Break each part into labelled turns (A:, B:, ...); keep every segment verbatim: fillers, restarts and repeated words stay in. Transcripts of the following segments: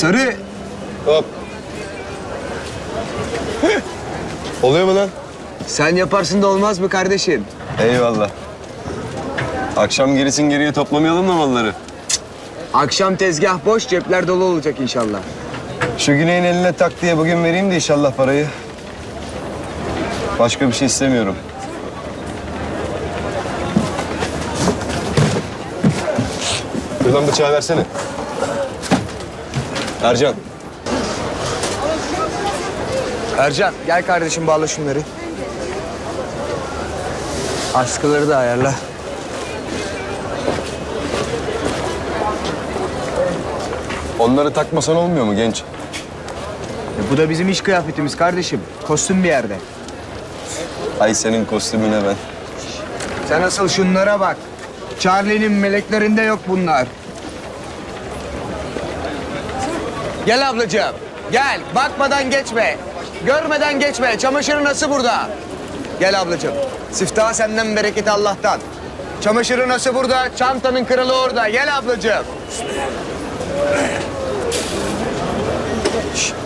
A: Sarı.
B: Hop. Oluyor mu lan?
A: Sen yaparsın da olmaz mı kardeşim?
B: Eyvallah. Akşam gerisin geriye toplamayalım da malları.
A: Akşam tezgah boş, cepler dolu olacak inşallah.
B: Şu Güney'in eline tak diye bugün vereyim de inşallah parayı. Başka bir şey istemiyorum. Buradan bıçağı versene. Ercan.
A: Ercan, gel kardeşim bağla şunları. Askıları da ayarla.
B: Onları takmasan olmuyor mu genç?
A: E, bu da bizim iş kıyafetimiz kardeşim. Kostüm bir yerde.
B: Ay senin kostümüne ben.
A: Sen asıl şunlara bak. Charlie'nin meleklerinde yok bunlar. Gel ablacığım. Gel. Bakmadan geçme. Görmeden geçme. Çamaşırı nasıl burada? Gel ablacığım. Siftah senden, bereket Allah'tan. Çamaşırı nasıl burada? Çantanın kralı orada. Gel ablacığım. Şişt.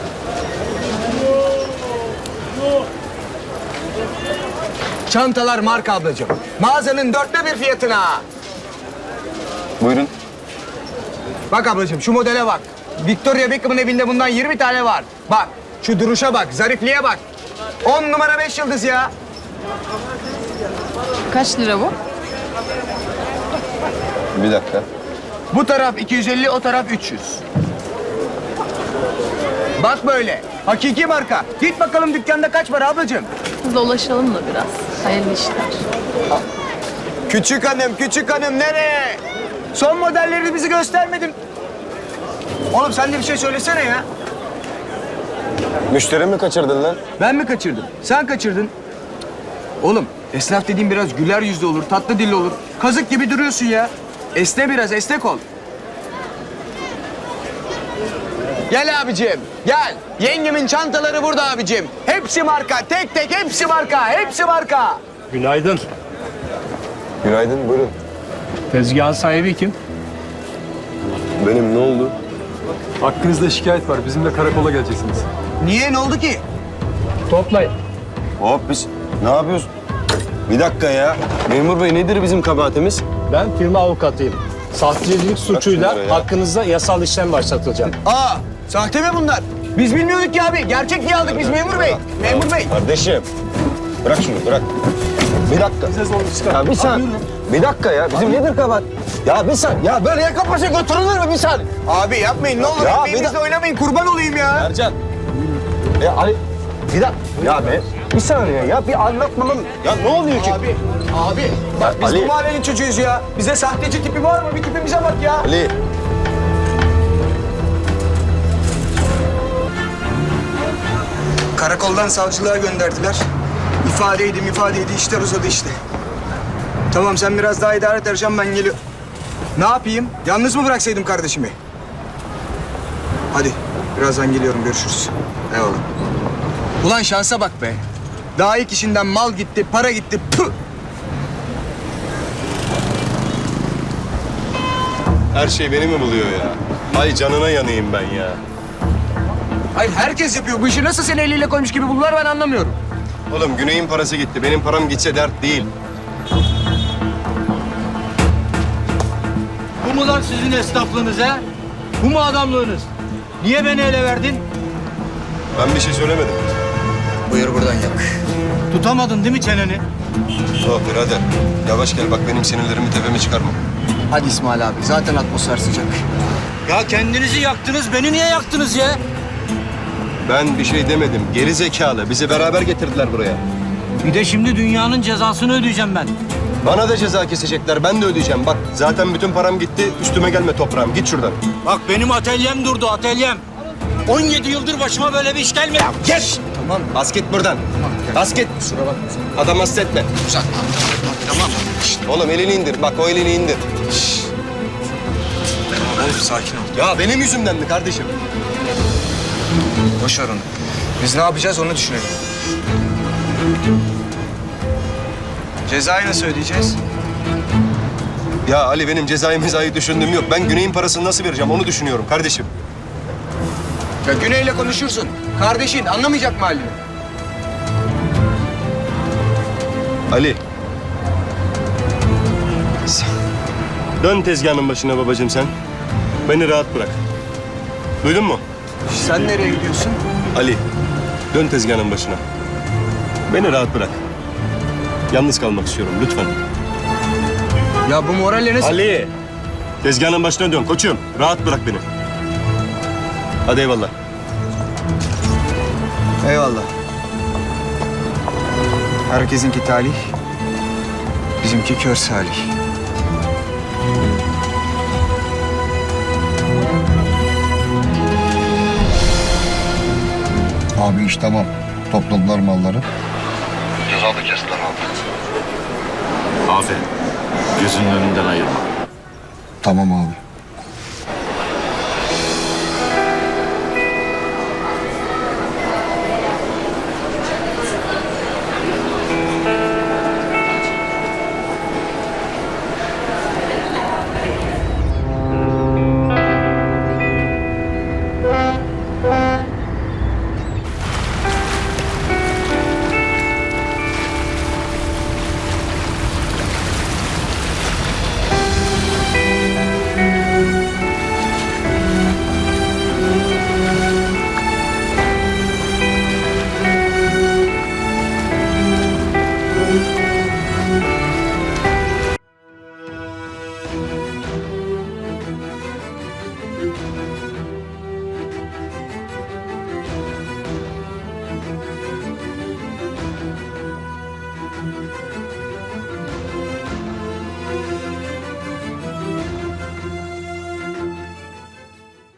A: Çantalar marka ablacığım. Mağazanın dörtte bir fiyatına.
B: Buyurun.
A: Bak ablacığım şu modele bak. Victoria Beckham'ın evinde bundan yirmi tane var. Bak şu duruşa bak, zarifliğe bak. On numara beş yıldız ya.
C: Kaç lira bu?
B: Bir dakika.
A: Bu taraf iki yüz elli, o taraf üç yüz. Bak böyle. Hakiki marka. Git bakalım dükkanda kaç var ablacığım.
C: Dolaşalım da biraz. Hayırlı işler.
A: Küçük hanım, küçük hanım nereye? Son modelleri bizi göstermedin. Oğlum sen de bir şey söylesene ya.
B: Müşteri mi kaçırdın lan?
A: Ben mi kaçırdım? Sen kaçırdın. Oğlum esnaf dediğin biraz güler yüzlü olur, tatlı dilli olur. Kazık gibi duruyorsun ya. Esne biraz, esnek ol. Gel abicim, gel. Yengemin çantaları burada abicim. Hepsi marka, tek tek hepsi marka, hepsi marka.
D: Günaydın.
B: Günaydın, buyurun.
D: Tezgahın sahibi kim?
B: Benim, ne oldu?
E: Hakkınızda şikayet var. Bizimle karakola geleceksiniz.
A: Niye, ne oldu ki?
D: Toplayın.
B: Hop biz ne yapıyoruz? Bir dakika ya. Memur bey nedir bizim kabahatimiz?
D: Ben firma avukatıyım. Sahtecilik suçuyla
B: şunları ya.
D: hakkınızda yasal işlem başlatılacak.
A: Aa, sahte mi bunlar? Biz bilmiyorduk ki abi. Gerçek diye aldık biz memur bey. Memur bey.
B: Kardeşim. Bırak şunu bırak. Bir dakika. Ya bir saniye. Bir dakika ya. Bizim nedir kabahat? Ya bir saniye. Ya böyle yaka paşa götürülür mü bir saniye?
A: Abi yapmayın ne olur.
B: Ya,
A: Ekmeğimizle
B: bir da-
A: oynamayın kurban olayım ya.
B: Ercan. Ya Ali. Bir dakika. Ya be. Bir saniye ya. Bir anlatmamam. Ya ne oluyor ki?
A: Abi, abi bak biz
B: Ali.
A: bu mahallenin çocuğuyuz ya. Bize sahteci tipi var mı? Bir tipimize bak ya.
B: Ali.
A: Karakoldan savcılığa gönderdiler. İfadeydi ifadeydi işler uzadı işte. Tamam sen biraz daha idare et Ercan, ben geliyorum. Ne yapayım? Yalnız mı bıraksaydım kardeşimi? Hadi birazdan geliyorum, görüşürüz. Eyvallah. Ulan şansa bak be. Daha ilk işinden mal gitti, para gitti. Püh!
B: Her şey beni mi buluyor ya? Ay canına yanayım ben ya.
A: Hayır herkes yapıyor. Bu işi nasıl seni eliyle koymuş gibi buldular ben anlamıyorum.
B: Oğlum Güney'in parası gitti. Benim param gitse dert değil.
F: Bu mu lan sizin esnaflığınız ha? Bu mu adamlığınız? Niye beni ele verdin?
B: Ben bir şey söylemedim.
A: Buyur buradan yak.
F: Tutamadın değil mi çeneni?
B: Oh birader. Yavaş gel bak benim sinirlerimi tepeme çıkarma.
A: Hadi İsmail abi. Zaten atmosfer sıcak.
F: Ya kendinizi yaktınız, beni niye yaktınız ya?
B: Ben bir şey demedim. Geri zekalı. Bizi beraber getirdiler buraya.
F: Bir de şimdi dünyanın cezasını ödeyeceğim ben.
B: Bana da ceza kesecekler. Ben de ödeyeceğim. Bak zaten bütün param gitti. Üstüme gelme toprağım. Git şuradan.
F: Bak benim atölyem durdu, atölyem. on yedi yıldır başıma böyle bir iş gelmedi.
B: Geç. Tamam. Bas git buradan. Bas git.
A: Kusura bakma.
B: Adam hasta etme.
A: Uzatma. Tamam.
B: Şişt, oğlum elini indir. Bak o elini indir.
A: Oğlum sakin ol.
B: Ya benim yüzümden mi kardeşim?
A: Boş ver onu. Biz ne yapacağız onu düşünelim. Cezayı nasıl ödeyeceğiz?
B: Ya Ali benim cezayı mezayı düşündüğüm yok. Ben Güney'in parasını nasıl vereceğim onu düşünüyorum kardeşim.
A: Ya Güney'le konuşursun. Kardeşin anlamayacak mı halini?
B: Ali. Dön tezgahın başına babacığım sen. Beni rahat bırak. Duydun mu?
A: Sen nereye gidiyorsun?
B: Ali, dön tezgahın başına. Beni rahat bırak. Yalnız kalmak istiyorum lütfen.
A: Ya bu moralle nasıl...
B: Ali! Tezgahın başına dön koçum. Rahat bırak beni. Hadi eyvallah.
A: Eyvallah. Herkesinki talih, bizimki kör salih.
G: Abi iş tamam. Topladılar malları.
H: Aferin. Gözünün önünden ayırma.
G: Tamam abi.